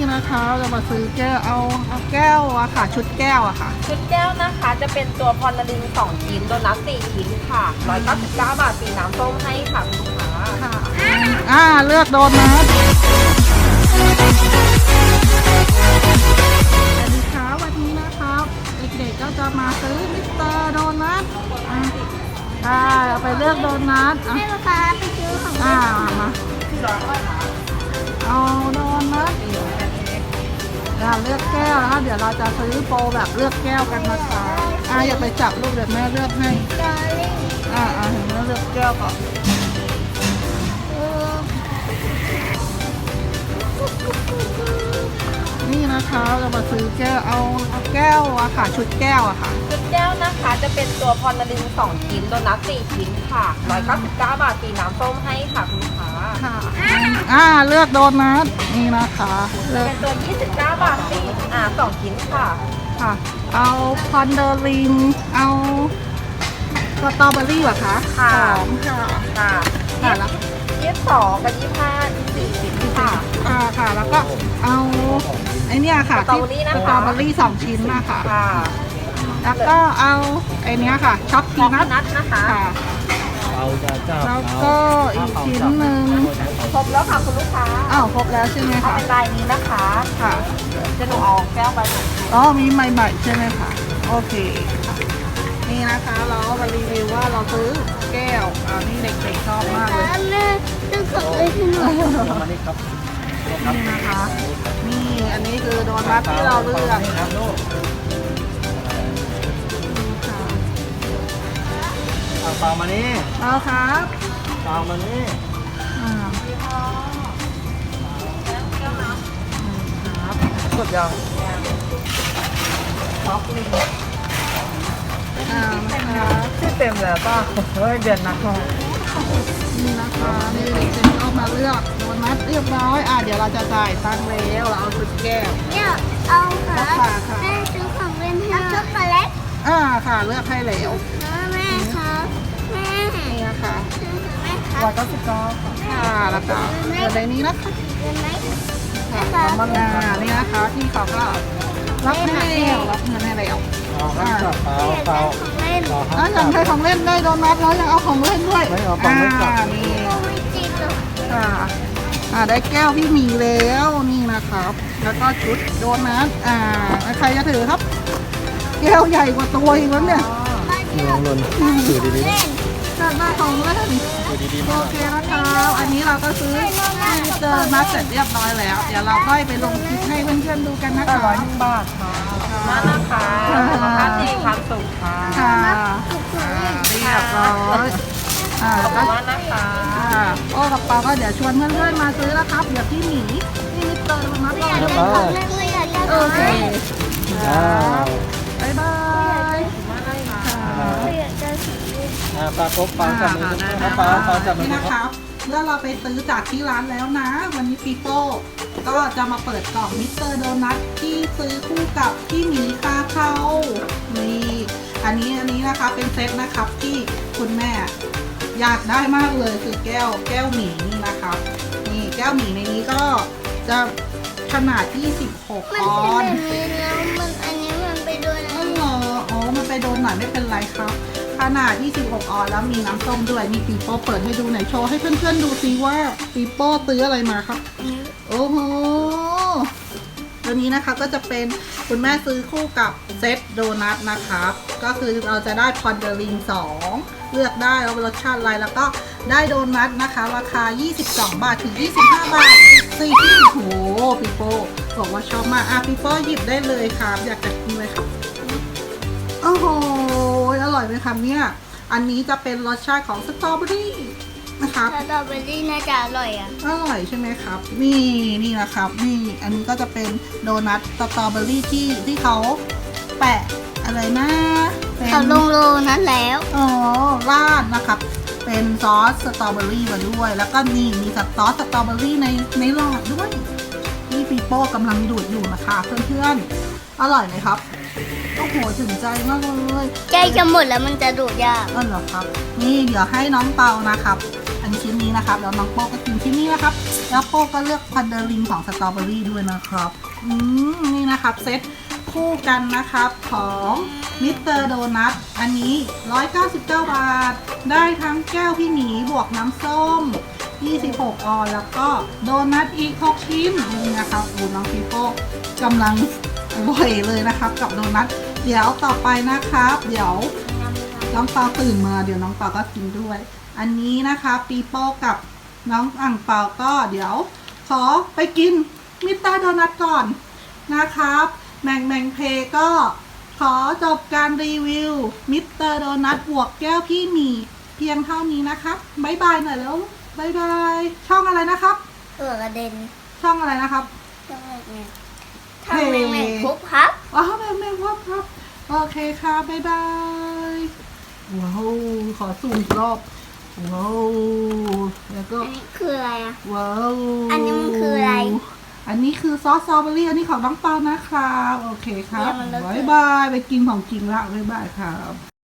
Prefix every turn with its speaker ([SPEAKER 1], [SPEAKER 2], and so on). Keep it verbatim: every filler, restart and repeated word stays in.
[SPEAKER 1] นะคะเรามาซื้อแก้วเอาเอาแก้วอะค่ะชุดแก้วอะค่ะ
[SPEAKER 2] ชุดแก้วนะคะจะเป็นตัวพอลลิงสองชิ้นโดนัทสี่ชิ้นค่ะร้อยเก้าสิบเก้าบาทสีน้ำส้มให้ค่ะคุณลูกค้า
[SPEAKER 1] ค่ะอ่าเลือกโดนัทสวัสดีค่ะวันนี้นะครับเด็กๆก็จะมาซื้อมิสเตอร์โดนัทอ่าค่ะเราไปเลือกโดนัท
[SPEAKER 3] ให้ลูกค้าไปซื้อของเล่
[SPEAKER 1] อ่าน มาเอาโดนัทอ่าเลือกแก้วนะคะเดี๋ยวเราจะซื้อโปรแบบเลือกแก้วกันนะคะอ่าอย่าไปจับลูกเดี๋ยวแม่เลือกให้
[SPEAKER 3] ดอลลี่
[SPEAKER 1] อ่าอ่าเห็นแม่เลือกแก้วก่อนนี่นะคะเรามาซื้อแก้วเอาเอาแก้วอะค่ะชุดแก้วอะค่ะ
[SPEAKER 2] ชุดแก้วนะคะจะเป็นตัวพอลลิงสองชิ้นโดนัทสี่ชิ้นค่ะร้อยเก้าสิบเก้าบาทสีน้ำส้มให้ค่ะคุณลูกค้า
[SPEAKER 1] ค่ะอ่าเลือกโดนัทนี่นะคะเลือก
[SPEAKER 2] เป็นตัวยี่สิบเก้าบาทสี่อ่าสองชิ้นค่ะ
[SPEAKER 1] ค่ะเอาคอนเดอร์ลิงเอาสตรอเบอรี่เหรอคะ
[SPEAKER 2] ค่ะ
[SPEAKER 1] สองค่ะ
[SPEAKER 2] ค่ะ
[SPEAKER 1] ค่ะแล้ว
[SPEAKER 2] ยี่สิบสองกับยี่สิบห้าสี่ชิ้นค่ะ
[SPEAKER 1] อ่าค่ะแล้วก็เอาไอเนี้ยค่ะที่สตรอเบอรี่สองชิ้นนะคะ
[SPEAKER 2] ค่ะ
[SPEAKER 1] แล้วก็เอาไอเนี้ยค่ะช็อกพีนัท
[SPEAKER 2] นะคะ
[SPEAKER 1] ค่ะแล้วก็อีกชิ้นหนึ่ง
[SPEAKER 2] ครบแล้วค่ะคุณลูกค้า
[SPEAKER 1] อ้าวครบแล้วใช่ไหมคะ
[SPEAKER 2] เป็นลายนี้นะคะ
[SPEAKER 1] ค่ะ
[SPEAKER 2] จะหนูเอาแก้วไป
[SPEAKER 1] อ๋อมีใหม่ๆใช่ไหมคะโอเคค่ะนี่นะคะเรามารีวิวว่าเราซื้อแก้วอ่านี่เด็กๆชอบมากเลย
[SPEAKER 3] แม่ซื้อของเลยที่หนู
[SPEAKER 1] มานี่ครับนี่นะคะนี่อันนี้คือโดนัทที่เราเลือก
[SPEAKER 4] เปล่ามานี่
[SPEAKER 1] เอาครับ
[SPEAKER 4] เปล่ามานี่
[SPEAKER 1] อ่า
[SPEAKER 4] ครับกดยังท็อปลิง
[SPEAKER 1] อ่านะคะ
[SPEAKER 4] ที่เต็มแล้วป่ะเฮ้ยเดือนนักมอง
[SPEAKER 1] นี่นะคะนี่เด็กๆก็มาเลือกโดนัทเรียบร้อยอ่าเดี๋ยวเราจะจ่ายตังค์แล้วเราเอาชุดแก้ว
[SPEAKER 3] เนี่ยเอาค่ะแม่ซื้อของเล่นให้ช็อกโกแลต
[SPEAKER 1] อ่าค่ะเลือกให้แล้ว
[SPEAKER 3] แม่ครับแม่
[SPEAKER 1] นี่นะคะ
[SPEAKER 3] แม่ครับ
[SPEAKER 1] ร้อยเก้าสิบเก้าค่ะแล้วก็เงินในนี้นะคะ
[SPEAKER 3] เงินไหม
[SPEAKER 1] ค่ะมันอ่านี่นะคะที่เขาก็รับให้แล้วรับเงินให้แล้ว
[SPEAKER 4] อ่าเปล่าเปล่า
[SPEAKER 3] ของเล่น
[SPEAKER 1] อ่าอย่างให้ของเล่นได้โดนัทแล้วยังเอาของเล่นด้วยอ่านี่ค่ะอ่าได้แก้วพี่หมีแล้วนี่นะครับแล้วก็ชุดโดนัทอ่าใครจะถือครับแก้วใหญ่กว่าตัวอีกแล้วเนี่ย
[SPEAKER 4] ลองลนถือดี
[SPEAKER 1] ๆจัดได้ของเล่นโอเคนะครับอันนี้เราก็ซื้อเจอนัดเสร็จเรียบร้อยแล้วเดี๋ยวเราค่อยไปลงคลิปให้เพื่อนๆดูกันนะคะ
[SPEAKER 4] ร้อยหนึ่งบาทค่ะ
[SPEAKER 2] มานะคะสุขภาพดีความสุขค่ะ
[SPEAKER 1] ค่ะเรียบร้อยอ่าก็
[SPEAKER 2] นะคะ
[SPEAKER 1] โอ้กับปาก็เดี๋ยวชวนเพื่อนๆมาซื้อนะครับเดี๋ยวพี่หมีพี่มิสเตอร์มาต่อโอเคบ๊ายบาย
[SPEAKER 4] ปลาครบปลาจับมือปลาปลาจับมือ
[SPEAKER 1] นะครับแล้วเราไปซื้อจากที่ร้านแล้วนะวันนี้ปีโป้ก็จะมาเปิดกล่องมิสเตอร์โดนัทที่ซื้อคู่กับพี่หมีคาเทานี่อันนี้อันนี้นะคะเป็นเซตนะครับที่คุณแม่อยากได้มากเลยคือแก้วแก้วหมีนี่นะครับนี่แก้วหมีในนี้ก็จะขนาดยี่สิบหกออน
[SPEAKER 3] มันเป็นแบบนี้แล้วมันอันนี้มันไปโดนอะไร
[SPEAKER 1] อ๋ออ๋อมันไปโดนหน่อยไม่เป็นไรครับขนาดยี่สิบหกออนแล้วมีน้ำส้มด้วยมีปีโป้เปิดให้ดูหน่อยโชว์ให้เพื่อนๆดูซิว่าปีโป้ซื้ออะไรมาครับโอ้โหตัวนี้นะคะก็จะเป็นคุณแม่ซื้อคู่กับเซตโดนัทนะครับก็คือเราจะได้พอนเดอริงสองเลือกได้ว่ารสชาติอะไรแล้วก็ได้โดนัทนะคะราคายี่สิบสองบาทถึงยี่สิบห้าบาทสี่ที่โหปีโป้บอกว่าชอบมากอ่ะปีโป้หยิบได้เลยครับอยากจะกินเลยครับโอ้โหอร่อยไหมครับเนี่ยอันนี้จะเป็นรสชาติของสตรอเบอรี่นะครับ
[SPEAKER 3] สตรอเบอรี่น่าจะอร่อยอ่ะ
[SPEAKER 1] อร่อยใช่ไหมครับนี่นี่นะครับนี่อันนี้ก็จะเป็นโดนัทสตรอเบอรี่ที่ที่เขาแปะอะไรนะ
[SPEAKER 3] เขาลงโลนั้นแล้ว
[SPEAKER 1] อ๋อราดนะครับเป็นซอสสตรอเบอรี่มาด้วยแล้วก็นี่มีซอสสตรอเบอรี่ในในหลอดด้วยที่ปีโป้กำลังดูดอยู่นะคะเพื่อนๆอร่อยไหมครับโอ้โหถึงใจมากเลย
[SPEAKER 3] ใกล้จะหมดแล้วมันจะดูดยาก
[SPEAKER 1] อ๋อเหรอครับนี่เดี๋ยวให้น้องเปานะครับอันชิ้นนี้นะครับแล้วน้องโป้ก็กินชิ้นนี้นะครับแล้วโป้ก็เลือกพันเดอร์ลิงของสตรอเบอรี่ด้วยนะครับอืมนี่นะครับเซตคู่กันนะครับของมิสเตอร์โดนัทอันนี้หนึ่งร้อยเก้าสิบเก้าบาทได้ทั้งแก้วพี่หมีบวกน้ำส้มยี่สิบหกออนแล้วก็โดนัทอีกหกชิ้นนี่นะครับอูน้องปีโป้กำลังอร่อยเลยนะครับกับโดนัทเดี๋ยวต่อไปนะครับเดี๋ยวน้องเปาตื่นมาเดี๋ยวน้องเปาก็กินด้วยอันนี้นะคะปีโป้กับน้องอ่างเปาก็เดี๋ยวขอไปกินมิสเตอร์โดนัทก่อนนะครับแมงแมงเพก็ขอจบการรีวิวมิสเตอร์โดนัทบวกแก้วพี่หมีเพียงเท่านี้นะครับบ๊ายบายหน่อยแล้วบ๊ายบายช่องอะไรนะครับ
[SPEAKER 3] ตัวกระเด็น
[SPEAKER 1] ช่องอะไรนะครับ
[SPEAKER 3] ช่องแม่แม่ทำแม่แม่ครบครับ
[SPEAKER 1] อ๋อแม่แม่ครับครับโอเคค่ะบ๊ายบายว้าวขอสูงอีกรอบว้าวแล้วก็
[SPEAKER 3] อันนี้คืออะไรอ่ะ
[SPEAKER 1] ว้าว
[SPEAKER 3] อันนี้มันคืออะไร
[SPEAKER 1] อันนี้คือซอสสตรอเบอรี่อันนี้ของน้องเปานะครับโอเคครับ
[SPEAKER 3] เนี่ยมันเลอะเทอะ
[SPEAKER 1] บ๊ายบายไปกินของจริงละบ๊ายบายครับ